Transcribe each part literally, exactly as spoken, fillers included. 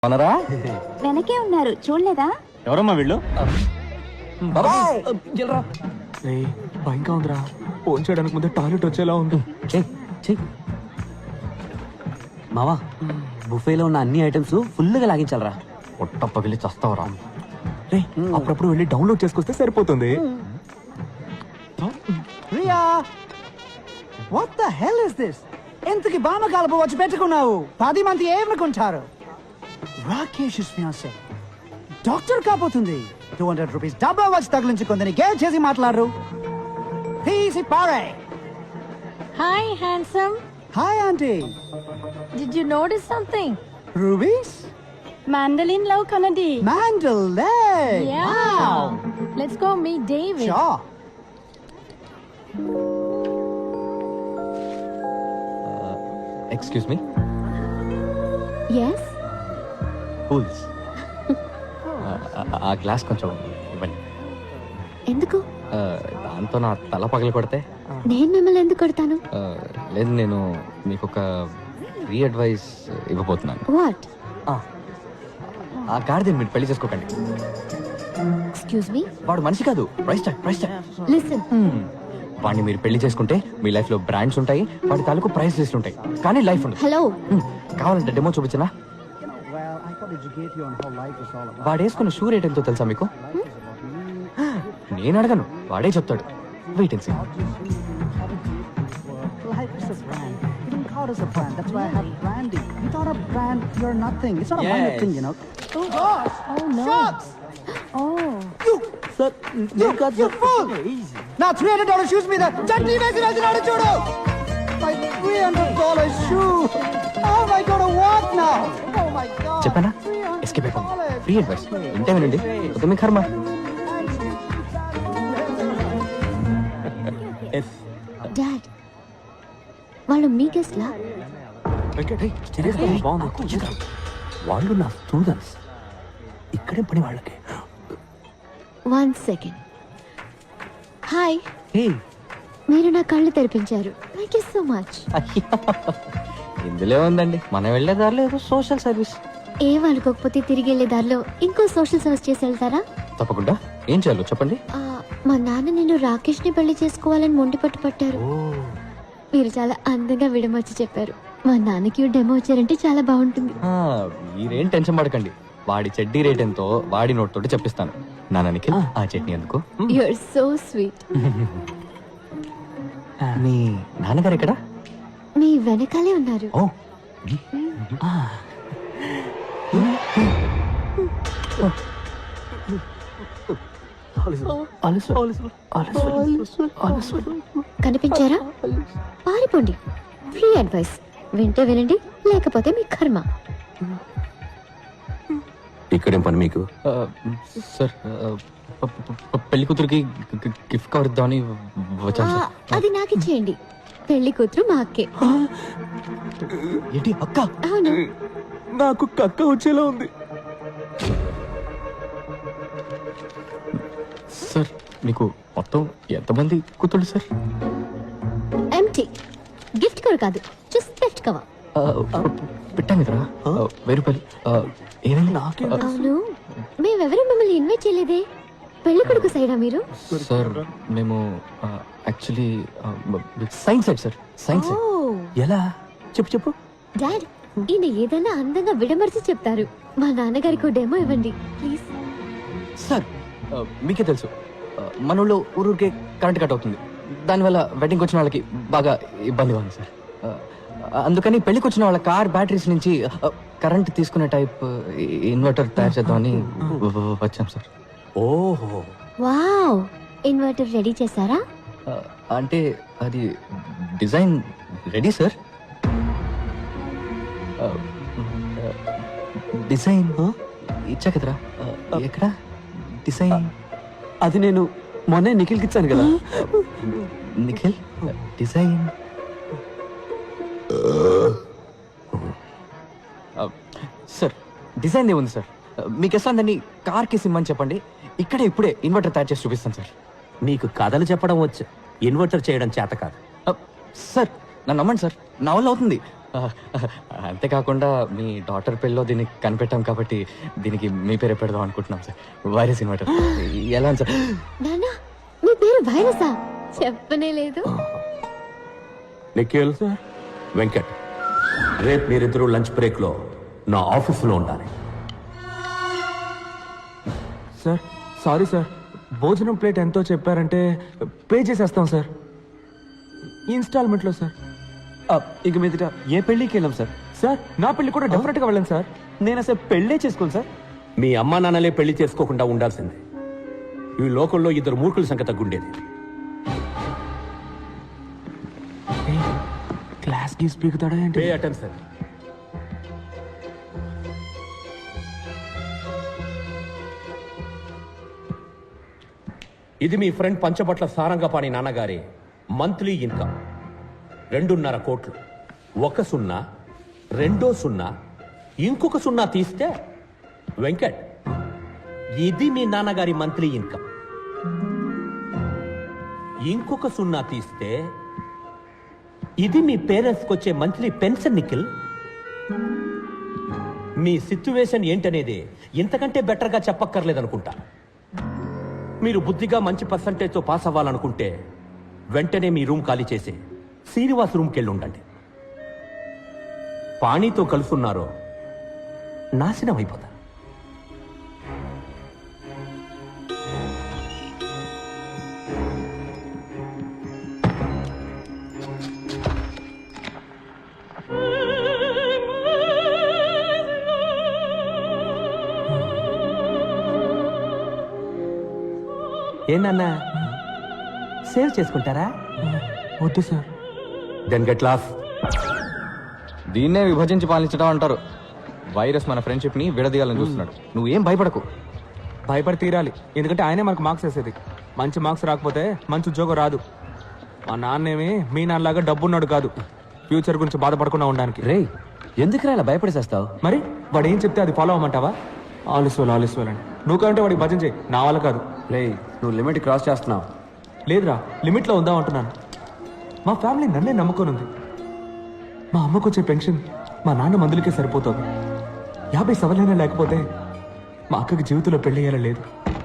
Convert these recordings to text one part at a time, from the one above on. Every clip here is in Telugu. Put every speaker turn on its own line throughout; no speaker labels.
అనరా
వెనకే ఉన్నారు చూడలేదా?
ఎవరమ్మా వీళ్ళు?
భయంగా ఉందిరా. ఫోన్ చేయడానికి ముందే టాయిలెట్ వచ్చేలా ఉంది.
మావా బుఫేలో ఉన్న అన్ని ఐటమ్స్ ఫుల్ గా లాగించాలరా.
పొట్ట పగిలి చస్తావరా.
రే అప్పుడప్పుడు వెళ్ళి డౌన్లోడ్ చేసుకొస్తే సరిపోతుంది.
Riya, what the hell is this? ఎంతకి బామ కలుపు వచ్చి పెట్టుకున్నావు? పది మంది ఏమనుకుంటారు? రాకేష్ ఫియాన్సీ డాక్టర్ కాబోతుంది. టూ హండ్రెడ్ రూపీస్ డబ్బా వచ్చి తగిలించుకుందని గేల్ చేసి మాట్లాడరు. తీసి పారే.
Hi, handsome.
Hi aunty.
Did you notice something?
Ruby's
Mandolin love Kanadi.
మ్యాండల్ లే.
Yeah. Let's go meet David.
షా.
Excuse me.
ఎస్
కూల్స్. ఆ గ్లాస్ కొంచెం ఇవ్వండి.
ఎందుకు?
ఆ, దాంతో నా తల పగలు కొడితే.
నేను మిమ్మల్ని ఎందుకు కొడతాను?
ఆ, లేదు, నేను మీకు ఒక ఫ్రీ అడ్వైస్ ఇవ్వబోతున్నాను.
వాట్?
ఆ గాడిదని మీరు పెళ్లి చేసుకోకండి.
Excuse me.
వాడు మనిషి కాదు, price tag price tag.
Listen.
వాడిని మీరు పెళ్లి చేసుకుంటే మీ లైఫ్ లో బ్రాండ్స్ ఉంటాయి, వాడి తాలూకు ప్రైస్ లిస్ట్ ఉంటాయి, కానీ లైఫ్ ఉండదు.
హలో.
హ్మ్, కావాలంటే డెమో చూపించనా?
Well, I could educate you on how life is all about.
వాడు వేసుకున్న షూ రేట్ ఎంతో తెలుసా మీకు? నేను అడగను, వాడే చెప్తాడు. Wait and see.
Life is a brand. You don't call us a brand. That's why I have branding. Without a brand, you're nothing. It's not a minor thing, you know. Oh gosh!
Oh no.
Shots!
Oh.
You! Sir, you, you fool! Now three hundred dollars shoes మీద చట్నీ వేసి వేసినాడు చూడు. My three hundred dollars shoe. How am I going to walk now? Oh my God.
చెప్పానా? ఎస్కేప్ అయిపోయింది. ఫ్రీ అడ్వైస్ ఇంటే వినండి, వద్దు మీ కర్మ.
డాడ్, వాళ్ళు మీ గెస్ట్ లా?
బాగుంది. వాళ్ళు నా స్టూడెంట్స్. ఇక్కడే పని వాళ్ళకి.
One second. హాయ్,
హే,
మీరు నా కళ్ళు తెరిపించారు. Thank you so much.
ఇందులో ఉందండి, మనం వెళ్ళే దారిలో ఏదో సోషల్ సర్వీస్.
ఏం అనుకోకపోతే తిరిగి వెళ్ళే దారిలో ఇంకో సోషల్ సర్వీస్ చేసి వెళ్తారా?
తప్పకుండా. ఏం చేయాలో చెప్పండి.
ఆ, మా నాన్న నేను రాకేష్ ని పెళ్లి చేసుకోవాలని మొండి పట్టు పట్టారు. మీరు చాలా అందంగా విడమర్చి చెప్పారు. మా నాన్నకి డెమో వచ్చారంటే చాలా బాగుంటుంది.
ఆ, మీరేం టెన్షన్ పడకండి. వాడి చెడ్డీ రేట్ ఎంతో వాడి నోట్ తోటి చెప్పిస్తాను. నాన్న నిఖిల్, ఆ చట్నీ ఎందుకు?
You are so sweet.
మీ నాన్నగారు ఎక్కడ?
మీ వెనకాలే ఉన్నారు.
ఓ,
కనిపించారా? పారిపోండి. ఫ్రీ అడ్వైస్ వింటే వినండి, లేకపోతే మీ కర్మ.
ఇక్కడేం పని మీకు?
ఆ, సార్, ఆ, ప- ప- ప- పెళ్లి కూతురికి గి- గిఫ్ట్ కవర్ ఇద్దామని వచ్చాను
ఆ,
సార్.
అది నాకు ఇచ్చేయండి. పెళ్లి కూతురు మా అక్కే.
ఏంటి అక్క?
అవును.
నాకు కక్క వచ్చేలా ఉంది.
సార్, మీకు మొత్తం ఎంతమంది కూతుళ్ళు సార్?
ఎంటీ. గిఫ్ట్ కవర్ కాదు, జస్ట్ గిఫ్ట్ కవర్.
ఆ, ప- పెట్టాం కదరా, ఆ, వెయ్యి రూపాయలు. ఆ, ఏమైంది? నాకే
అవును, మేమెవరూ మిమ్మల్ని ఇన్వైట్ చేయలేదే. పెళ్లి కొడుకు సైడా మీరు?
సార్, మేము actually science side sir, science
ఓ
సైడ్.
ఎలా? చెప్పు చెప్పు.
డాడ్, ఈయన ఏదైనా అందంగా విడమర్చి చెప్తారు. మా నాన్నగారికి డెమో ఇవ్వండి ప్లీజ్.
సార్, ఆ, మీకే తెలుసు, ఆ, మన ఊళ్ళో ఊరూరికే కరెంట్ కట్ అవుతుంది. దానివల్ల వెడ్డింగ్కి వచ్చిన వాళ్ళకి బాగా ఇబ్బందిగా ఉంది సార్. ఆ, అందుకని పెళ్లికి వచ్చిన వాళ్ళ కార్ బ్యాటరీస్ నుంచి ఆ, కరెంట్ తీసుకునే టైప్ ఇన్వర్టర్ తయారు చేద్దామని వ- వ- వచ్చాం సార్.
ఓహో,
వావ్, ఇన్వర్టర్ రెడీ చేశారా?
ఆ, అంటే అది డిజైన్ రెడీ సార్. ఆ, ఆ, డిజైన్ ఇచ్చా కదరా, ఆ, ఎక్కడ డిజైన్?
అది నేను మొన్నే నిఖిల్కి ఇచ్చాను కదా.
నిఖిల్, డిజైన్. ఆ, సార్, డిజైన్ ఏముంది సార్? మీకు ఎస్లాందని కార్కి సిమ్మని చెప్పండి, ఇక్కడే ఇప్పుడే ఇన్వర్టర్ తయారు చేసి చూపిస్తాను సార్.
నీకు కథలు చెప్పడం వచ్చు, ఇన్వర్టర్ చేయడం చేత కాదు.
ఆ, సార్, నన్ను నమ్మండి సార్, నా వల్ల అవుతుంది. అంతేకాకుండా మీ డాటర్ పెళ్ళిలో దీన్ని కనిపెట్టాం కాబట్టి దీనికి మీ పేరే పెడదాం అనుకుంటున్నాం సార్. వైరస్ ఇన్వర్టర్ ఎలా ఉంది సార్?
నాన్న మీ పేరు వైరసా? చెప్పనే లేదు.
నిఖిల్ వెంకట్, రేపు మీరిద్దరూ లంచ్ బ్రేక్ లో నా ఆఫీసులో ఉండాలి.
సార్ సారీ సార్, భోజనం ప్లేట్ ఎంతో చెప్పారంటే పే చేసేస్తాం సార్, ఇన్స్టాల్మెంట్లో సార్.
ఆ, ఇక మీదట ఏ పెళ్ళికి వెళ్ళాం సార్.
సార్ నా పెళ్లి కూడా డెఫినెట్గా వెళ్ళండి సార్.
నేను అసలు పెళ్ళే చేసుకోను సార్.
మీ అమ్మా నాన్నలే పెళ్లి చేసుకోకుండా ఉండాల్సిందే. ఈ లోకంలో ఇద్దరు మూర్ఖుల సంఖ్య తగ్గుండేది.
క్లాస్ గీస్ పీకుతాడా ఏంటి?
Pay attention. ఇది మీ ఫ్రెండ్ పంచబట్ల సారంగపాణి నాన్నగారి మంత్లీ ఇన్కమ్ రెండున్నర కోట్లు. ఒక సున్నా, రెండో సున్నా, ఇంకొక సున్నా తీస్తే వెంకట్ ఇది మీ నాన్నగారి మంత్లీ ఇన్కమ్. ఇంకొక సున్నా తీస్తే ఇది మీ పేరెంట్స్కి వచ్చే మంత్లీ పెన్షన్. నిఖిల్, మీ సిచ్యువేషన్ ఏంటనేది ఇంతకంటే బెటర్గా చెప్పక్కర్లేదనుకుంటా. మీరు బుద్ధిగా మంచి పర్సంటేజ్తో పాస్ అవ్వాలనుకుంటే వెంటనే మీ రూమ్ ఖాళీ చేసి శ్రీనివాస్ రూమ్కి వెళ్ళి ఉండండి. పాణితో కలుసున్నారో నాశనం అయిపోతారు.
ఏంటన్నా సేవ్ చేసుకుంటారా?
వద్దు సార్.
Then get lost.
దీన్నే విభజించి పాలించడం అంటారు. వైరస్ మన ఫ్రెండ్షిప్ ని విడదీయాలని చూస్తున్నాడు. నువ్వేం భయపడకు.
భయపడి తీరాలి, ఎందుకంటే ఆయనే మనకు మార్క్స్ వేసేది. మంచి మార్క్స్ రాకపోతే మంచి ఉద్యోగం రాదు. మా నాన్నేమి మీ నాన్నలాగా డబ్బున్నాడు కాదు, ఫ్యూచర్ గురించి బాధపడకుండా ఉండడానికి.
రే ఎందుకురా ఇలా భయపడేసేస్తావు?
మరి వాడు ఏం చెప్తే అది ఫాలో అవ్వమంటావా? ఆలస్వాలు ఆలస్వాలు అని నువ్వు కంటే వాడికి భజన చేయి, నా వల్ల కాదు.
రే నువ్వు లిమిట్ క్రాస్ చేస్తున్నావు.
లేదురా, లిమిట్లో ఉందాం అంటున్నాను. మా ఫ్యామిలీ నన్నే నమ్ముకొని ఉంది. మా అమ్మకు వచ్చే పెన్షన్ మా నాన్న మందులకే సరిపోతుంది. యాభై సవలైనా లేకపోతే మా అక్కకి జీవితంలో పెళ్ళయ్యేలా లేదు.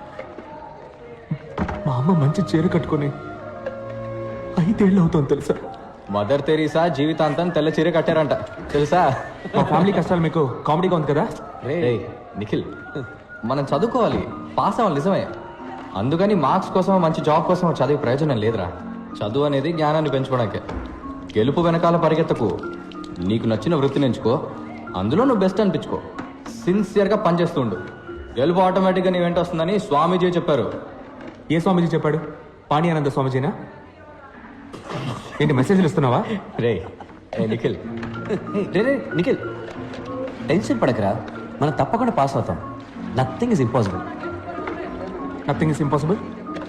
మా అమ్మ మంచి చీర కట్టుకొని ఐదేళ్ళు అవుతుంది తెలుసా?
మదర్ తెరీసా జీవితాంతం తెల్ల చీర కట్టారంట తెలుసా?
మా ఫ్యామిలీ కష్టాలు మీకు కామెడీగా ఉంది కదా?
రే నిఖిల్, మనం చదువుకోవాలి, పాస్ అవ్వాలి నిజమే. అందుకని మార్క్స్ కోసం మంచి జాబ్ కోసం చదివే ప్రయోజనం లేదురా. చదువు అనేది జ్ఞానాన్ని పెంచుకోవడానికే. గెలుపు వెనకాల పరిగెత్తకు. నీకు నచ్చిన వృత్తిని ఎంచుకో, అందులో నువ్వు బెస్ట్ అనిపించుకో. సిన్సియర్గా పనిచేస్తూ ఉండు. గెలుపు ఆటోమేటిక్గా నీ వెంట వస్తుందని స్వామీజీ చెప్పారు.
ఏ స్వామీజీ చెప్పాడు? పాణి ఆనంద స్వామీజీనా? ఏంటి మెసేజ్లు ఇస్తున్నావా?
రే ఏ నిఖిల్,
రే రే నిఖిల్ టెన్షన్ పడకరా, మనం తప్పకుండా పాస్ అవుతాం. Nothing is impossible.
Nothing is impossible.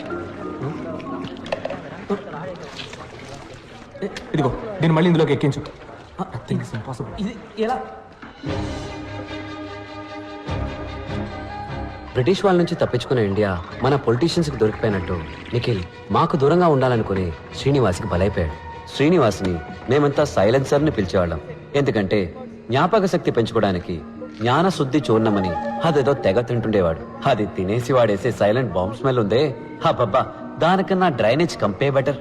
ఇదిగో దీన్ని మళ్ళీ ఇందులోకి ఎక్కించు. Nothing is impossible.
ఇది ఎలా? బ్రిటిష్ వాళ్ళ నుంచి తప్పించుకున్న ఇండియా మన పొలిటీషియన్స్కి దొరికిపోయినట్టు నిఖిల్ మాకు దూరంగా ఉండాలనుకుని శ్రీనివాస్కి బలైపోయాడు. శ్రీనివాస్ని మేమంతా సైలెన్సర్ని పిలిచేవాళ్ళం. ఎందుకంటే జ్ఞాపక శక్తి పెంచుకోవడానికి జ్ఞాన శుద్ధి చూర్ణమని అదేదో తెగ తింటుండేవాడు. అది తినేసి వాడేసే సైలెంట్ బాంబ్ స్మెల్ ఉందే, హా బాబా, దానికన్నా డ్రైనేజ్ కంపే better.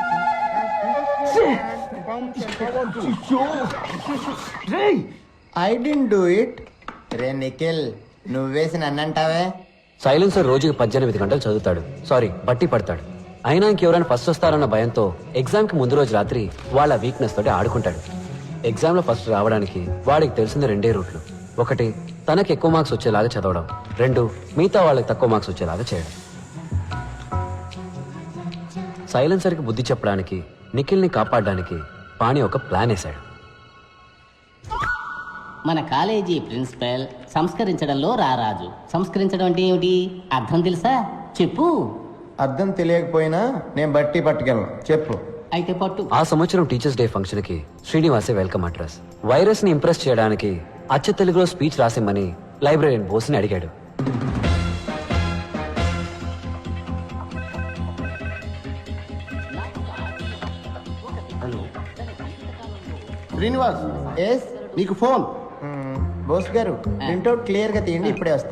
I didn't do it. రే నిఖిల్, నువ్వేసి నన్నంటావే?
సైలెన్సర్ రోజుకి పద్దెనిమిది గంటలు చదువుతాడు, సారీ బట్టి పడతాడు. అయినా ఇంకెవరైనా ఫస్ట్ వస్తారన్న భయంతో ఎగ్జామ్కి ముందు రోజు రాత్రి వాళ్ళ వీక్నెస్ తోటి ఆడుకుంటాడు. ఎగ్జామ్లో ఫస్ట్ రావడానికి వాడికి తెలిసిన రెండే రూట్లు. ఒకటి తనకి ఎక్కువ మార్క్స్ వచ్చేలాగా చదవడం, రెండు మిగతా వాళ్ళకి తక్కువ మార్క్స్ వచ్చేలాగా చేయడం. సైలెన్సర్కి బుద్ధి చెప్పడానికి, నిఖిల్ని కాపాడడానికి పాణి ఒక ప్లాన్ వేశాడు.
మన కాలేజీ ప్రిన్సిపల్ సంస్కరించడంలో రారాజు. సంస్కరించడం అంటే ఏమిటి? అర్థం తెలుసా? చెప్పు.
అర్థం తెలియకపోయినా నేను బట్టి పట్టుకెళ్ళను, చెప్పు.
అయితే పట్టు.
ఆ సంవత్సరం టీచర్స్ డే ఫంక్షన్ కి శ్రీనివాసే వెల్కమ్ అడ్రస్. వైరస్ ని ఇంప్రెస్ చేయడానికి అచ్చ తెలుగులో స్పీచ్ రాసిమ్మని లైబ్రరీన్ బోస్ని అడిగాడు.
శ్రీనివాస్ ఎస్ నీకు ఫోన్ బోస్ గారు ప్రింట్అవుట్ క్లియర్ గా తీయండి ఇప్పుడే వస్తా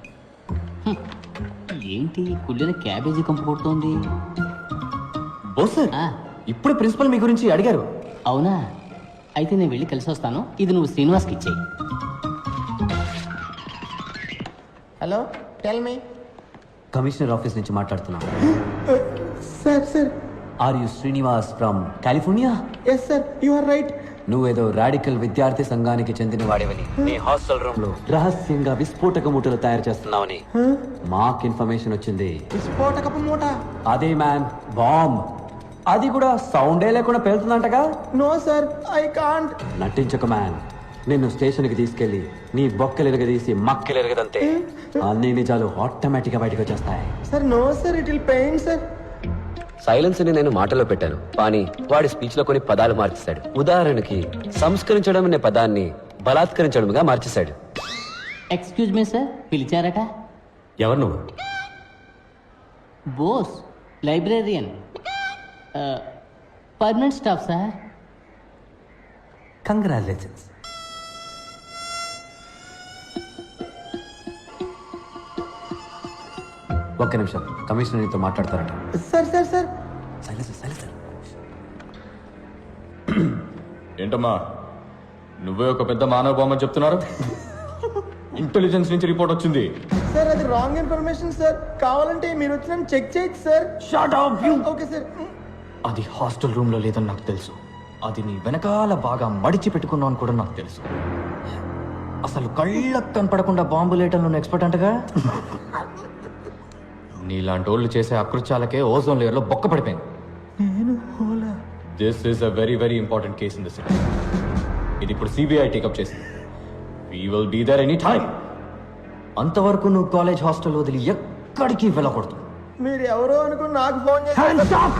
ఏంటి కుళ్ళిన క్యాబేజీ కంపు కొడుతోంది
బోస్ సార్
ఆ,
ఇప్పుడు ప్రిన్సిపల్ మీ గురించి అడిగారు.
అవునా అయితే నేను వెళ్ళి కలిసి వస్తాను ఇది నువ్వు శ్రీనివాస్కి ఇచ్చేయి
hello tell me
commissioner office నుంచి మాట్లాడుతున్నా.
Sir sir
are you Srinivas from California?
Yes sir you are right
నువ్వేదో రాడికల్ విద్యార్థి సంఘానికి చెందిన వాడివని నీ హాస్టల్ రూమ్ లో రహస్యంగా విస్ఫోటక మూటలు తయారు చేస్తున్నావని మాకు ఇన్ఫర్మేషన్ వచ్చింది.
విస్ఫోటకపు మూట
అదే మ్యాన్ బాంబ్. అది కూడా సౌండే లేకుండా పేలుతుందంటగా.
నో సార్ ఐ కాంట్
నటించక మ్యాన్. నిన్ను స్టేషన్ కి తీసుకెళ్లి నీ బొక్కలు ఎరగదీసి మక్కలు ఎరగదంతే అన్ని నిజాలు ఆటోమేటిక్ గా బయటకు వచ్చేస్తాయి.
Sir no sir it will pain sir
silence ని నేను మాటలో పెట్టాను కానీ వాడి స్పీచ్ లో కొన్ని పదాలు మార్చేశాడు. ఉదాహరణకి సంస్కరించడం అనే పదాన్ని బలాత్కరించడంగా మార్చేశాడు.
ఎక్స్క్యూజ్ మీ సార్ పిలిచారట
ఎవరు నువ్వు?
Bose librarian permanent staff sir
congratulations. ఒక్క నిమిషం కమిషనర్ నీతో మాట్లాడతారట.
Sir sir sir
silence silence.
ఏంటమ్మా నువ్వే ఒక పెద్ద మానవ బొమ్మ చెప్తున్నారు? ఇంటెలిజెన్స్ నుంచి రిపోర్ట్ వచ్చింది.
సార్ అది రాంగ్ ఇన్ఫర్మేషన్ సార్ కావాలంటే మీరు వచ్చి చెక్ చేయొచ్చు sir
Shut up, you!
Okay sir
అది హాస్టల్ రూమ్ లో లేదని నాకు తెలుసు. అది నీ వెనకాల బాగా మడిచి పెట్టుకున్నావు అని కూడా నాకు తెలుసు. అసలు కళ్ళకు కనపడకుండా బాంబు లేటంలో ఎక్స్పర్ట్ అంటగా. నీలాంటి వాళ్ళు చేసే అకృత్యాలకే ఓజోన్ లేయర్ లో బొక్క పడిపోయింది. This is a very very important case in the city. ఇది ఇప్పుడు సిబిఐ టేకప్ చేసింది. We will be there any time. అంతవరకు నువ్వు కాలేజ్ హాస్టల్ వదిలి ఎక్కడికి వెళ్ళకూడదు.
మీరు ఎవరో అనుకుని నాకు ఫోన్ చేశారు